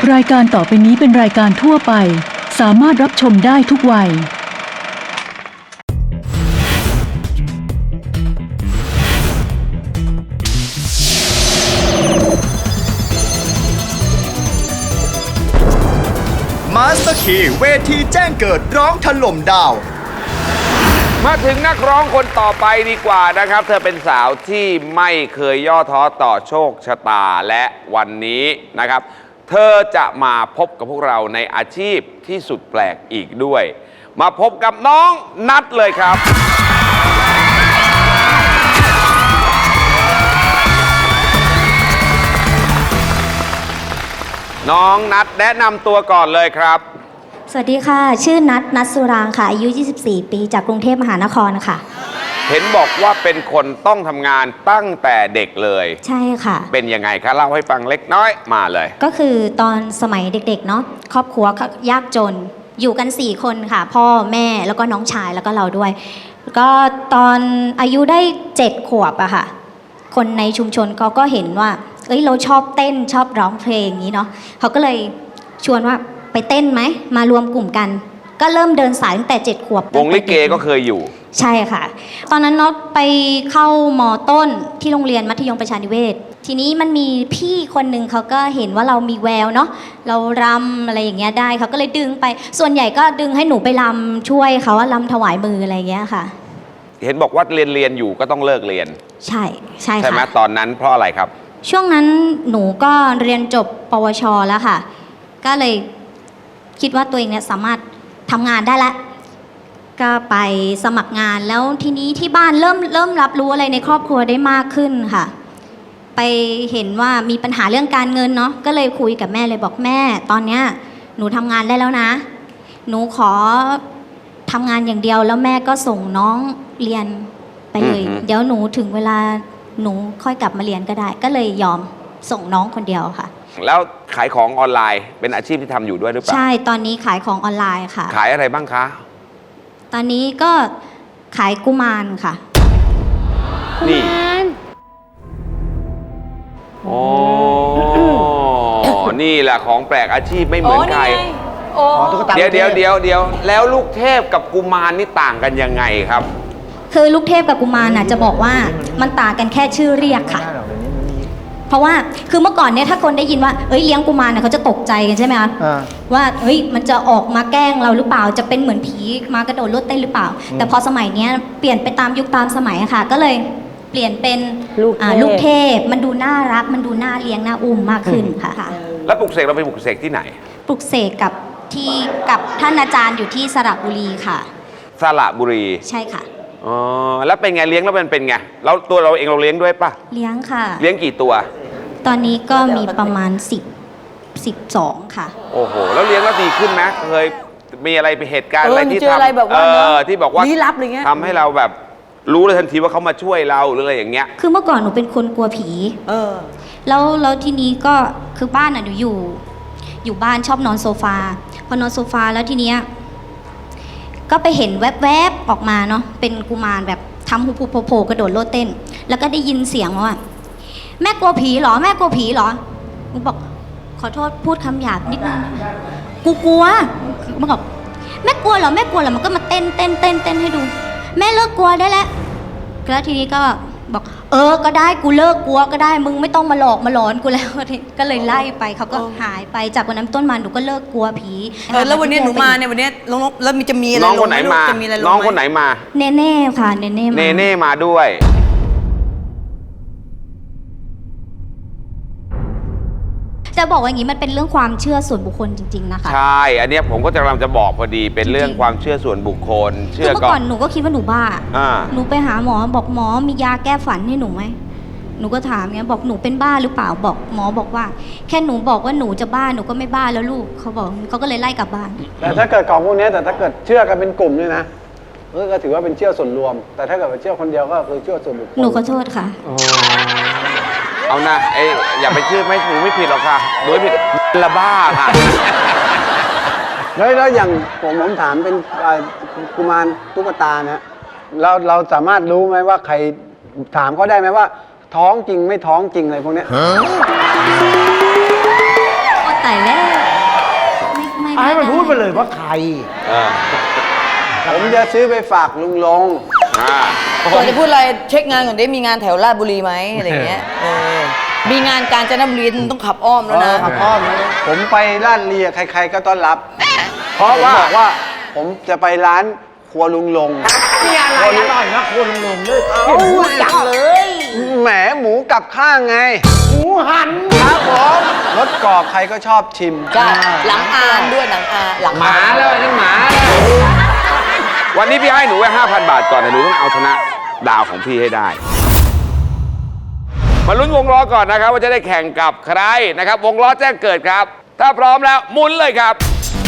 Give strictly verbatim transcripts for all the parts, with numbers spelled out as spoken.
รายการต่อไปนี้เป็นรายการทั่วไปสามารถรับชมได้ทุกวัยมาสเตอร์คีย์เวทีแจ้งเกิดร้องถล่มดาวมาถึงนักร้องคนต่อไปดีกว่านะครับ เธอเป็นสาวที่ไม่เคยย่อท้อต่อโชคชะตาและวันนี้นะครับ เธอจะมาพบกับพวกเราในอาชีพที่สุดแปลกอีกด้วย มาพบกับน้องนัทเลยครับน้องนัทแนะนำตัวก่อนเลยครับสวัสดีค่ะชื่อนัทนัทสุรางค่ะอายุยี่สิบสี่ปีจากกรุงเทพมหานครค่ะเห็นบอกว่าเป็นคนต้องทำงานตั้งแต่เด็กเลยใช่ค่ะเป็นยังไงคะเล่าให้ฟังเล็กน้อยมาเลยก็คือตอนสมัยเด็กๆเนาะครอบครัวยากจนอยู่กันสี่คนค่ะพ่อแม่แล้วก็น้องชายแล้วก็เราด้วยก็ตอนอายุได้เจ็ดขวบอะค่ะคนในชุมชนเขาก็เห็นว่าเอ้ยเราชอบเต้นชอบร้องเพลงอย่างนี้เนาะเขาก็เลยชวนว่าไปเต้นไหมมารวมกลุ่มกันก็เริ่มเดินสายตั้งแต่เจ็ดขวบวงลิเกก็เคยอยู่ใช่ค่ะตอนนั้นเนาะไปเข้าม.ต้นที่โรงเรียนมัธยมประชานิเวศทีนี้มันมีพี่คนหนึ่งเขาก็เห็นว่าเรามีแววเนาะเรารำอะไรอย่างเงี้ยได้เขาก็เลยดึงไปส่วนใหญ่ก็ดึงให้หนูไปรำช่วยเขาว่ารำถวายมืออะไรอย่างเงี้ยค่ะเห็นบอกว่าเรียนเรียนอยู่ก็ต้องเลิกเรียนใช่ใช่ค่ะใช่ไหมตอนนั้นเพราะอะไรครับช่วงนั้นหนูก็เรียนจบปวชแล้วค่ะก็เลยคิดว่าตัวเองเนี่ยสามารถทำงานได้แล้วก็ไปสมัครงานแล้วทีนี้ที่บ้านเริ่มเริ่มรับรู้อะไรในครอบครัวได้มากขึ้นค่ะไปเห็นว่ามีปัญหาเรื่องการเงินเนาะก็เลยคุยกับแม่เลยบอกแม่ตอนเนี้ยหนูทำงานได้แล้วนะหนูขอทำงานอย่างเดียวแล้วแม่ก็ส่งน้องเรียนไปเลยเดี๋ยวหนูถึงเวลาหนูค่อยกลับมาเรียนก็ได้ก็เลยยอมส่งน้องคนเดียวค่ะแล้วขายของออนไลน์เป็นอาชีพที่ทำอยู่ด้วยหรือเปล่าใช่ตอนนี้ขายของออนไลน์ค่ะขายอะไรบ้างคะตอนนี้ก็ขายกุมารค่ะนี่โอ้นี่แหละของแปลกอาชีพไม่เหมือนใครเดี๋ยวเดี๋ยวเดี๋ยวเดี๋ยวแล้วลูกเทพกับกุมารนี่ต่างกันยังไงครับคือลูกเทพกับกุมารน่ะจะบอกว่ามันต่างกันแค่ชื่อเรียกค่ะเพราะว่าคือเมื่อก่อนเนี่ยถ้าคนได้ยินว่าเอ้ยเลี้ยงกุมารเนี่ยเขาจะตกใจกันใช่ไหมคะว่าเฮ้ยมันจะออกมาแกล้งเราหรือเปล่าจะเป็นเหมือนผีมากระโดดโลดเต้นหรือเปล่าแต่พอสมัยนี้เปลี่ยนไปตามยุคตามสมัยค่ะก็เลยเปลี่ยนเป็นลูกเทพมันดูน่ารักมันดูน่าเลี้ยงน่าอุ้มมากขึ้นค่ะแล้วปลุกเสกเราไปปลุกเสกที่ไหนปลุกเสกกับที่กับท่านอาจารย์อยู่ที่สระบุรีค่ะสระบุรีใช่ค่ะอ๋อแล้วเป็นไงเลี้ยงแล้วมันเป็นไงแล้วตัวเราเองเราเลี้ยงด้วยป่ะเลี้ยงค่ะเลี้ยงกี่ตัวตอนนี้ก็มีประมาณสิบ สิบสองค่ะโอ้โหแล้วเลี้ยงแล้วดีขึ้นไหมเคยมีอะไรเป็นเหตุการณ์อะไรที่ทำเออที่บอกว่าลี้ลับอะไรเงี้ยทำให้เราแบบรู้เลยทันทีว่าเขามาช่วยเราหรืออะไรอย่างเงี้ยคือเมื่อก่อนหนูเป็นคนกลัวผีเออแล้วแล้วทีนี้ก็คือบ้านอ่ะหนูอยู่อยู่บ้านชอบนอนโซฟาพอนอนโซฟาแล้วทีเนี้ยก็ไปเห็นแวบๆออกมาเนาะเป็นกุมารแบบทำหุบๆโผล่กระโดดโลดเต้นแล้วก็ได้ยินเสียงว่าแม่กลัวผีเหรอแม่กลัวผีเหรอหนูบอกขอโทษพูดคำหยาบนิดนึงกูกลัวมันบอกแม่กลัวเหรอแม่กลัวเหรอมันก็มาเต้นเต้นเต้นเต้นให้ดูแม่เลิกกลัวได้แล้วแล้วทีนี้ก็บอกเออก็ได้กูเลิกกลัวก็ได้มึงไม่ต้องมาหลอกมาหลอนกูแล้วก็เลยไล่ไปเขาก็หายไปจากวันนั้นต้นมาหนูก็เลิกกลัวผีเออแล้ววันนี้หนูมาเนี่ยวันนี้ลงแล้วมีจะมีอะไรน้องคนไหนมาน้องคนไหนมาเนเน่ค่ะเนเน่มาเนเน่มาด้วยจะบอกว่าอย่างนี้มันเป็นเรื่องความเชื่อส่วนบุคคลจริงๆนะคะใช่อันนี้ผมก็จะกำลังจะบอกพอดีเป็นเรื่องความเชื่อส่วนบุคคลเชื่อก่อนหนูก็คิดว่าหนูบ้าหนูไปหาหมอบอกหมอมียาแก้ฝันให้หนูไหมหนูก็ถามเงี้ยบอกหนูเป็นบ้าหรือเปล่าบอกหมอบอกว่าแค่หนูบอกว่าหนูจะบ้าหนูก็ไม่บ้าแล้วลูกเขาบอกเขาก็เลยไล่กลับบ้านแต่ถ้าเกิดของพวกนี้แต่ถ้าเกิดเชื่อกันเป็นกลุ่มเนี่ยนะก็ถือว่าเป็นเชื่อส่วนรวมแต่ถ้าเกิดเชื่อคนเดียวก็คือเชื่อส่วนบุคคลหนูขอโทษค่ะเอานะไอ้อย่าไปเชื่อไม่ถูกไม่ผิดหรอกค่ะโดยผิดละบ้าค่ะแล้วแล้วอย่างผมผมถามเป็นกุมารตุ๊กตาเนี่ยเราเราสามารถรู้ไหมว่าใครถามเขาได้ไหมว่าท้องจริงไม่ท้องจริงอะไรพวกนี้ตายแล้วเลยว่าใครเออผมจะซื้อไปฝากลุงลงอ่าก่อนจะพูดอะไรเช็คงานก่อนได้มีงานแถวราชบุรีไหมอะไรอย่างเงี้ยเออมีงานกาญจนบุรีต้องขับอ้อมแล้วนะขับอ้อมนะผมไปร้านเลียใครๆก็ต้อนรับเพราะว่าผมบอกว่าผมจะไปร้านครัวลุงลงมีอะไรอร่อยนะคนลงเลยเอ้าจังเลย แหมหมูกับข้างไงหมูหันครับผมรสกรอบใครก็ชอบชิมใช่หลังอานด้วยหลังอาหลังหมาแล้วนั่นหมาแล้ววันนี้พี่ให้หนูไว้ห้าพันบาทก่อนแต่หนูต้องเอาชนะดาวของพี่ให้ได้ มาลุ้นวงล้อก่อนนะครับ ว่าจะได้แข่งกับใครนะครับ วงล้อแจ้งเกิดครับ ถ้าพร้อมแล้วหมุนเลยครับ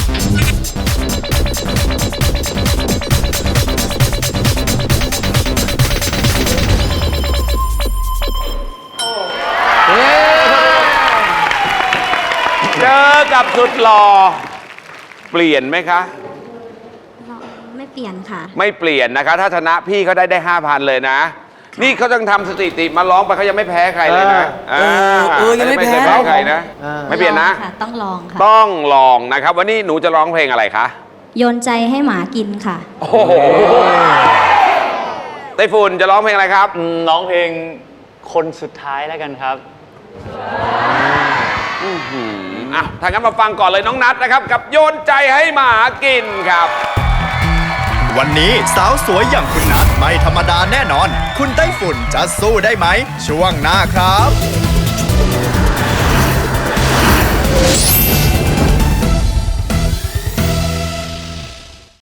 เจอกับสุดหล่อเปลี่ยนไหมคะไม่เปลี่ยนค่ะไม่เปลี่ยนนะคะ ถ้าชนะพี่เขาได้ได้ห้าพันเลยนะ นี่เขาต้องทำสถิติมาร้องไปเขายังไม่แพ้ใครเลยนะเออเออยังไม่แพ้เคยใครนะ ไม่เปลี่ยนนะลองค่ะ ต้องลองค่ะต้องลองนะครับ วันนี้หนูจะร้องเพลงอะไรคะโยนใจให้หมากินค่ะโอ้โหไต้ฝุ่นจะร้องเพลงอะไรครับร้องเพลงคนสุดท้ายแล้วกันครับอ่ะถ้างั้นมาฟังก่อนเลยน้องนัทนะครับ กับโยนใจให้หมากินครับวันนี้สาวสวยอย่างคุณนัทไม่ธรรมดาแน่นอน คุณไต้ฝุ่นจะสู้ได้ไหม ช่วงหน้าครับ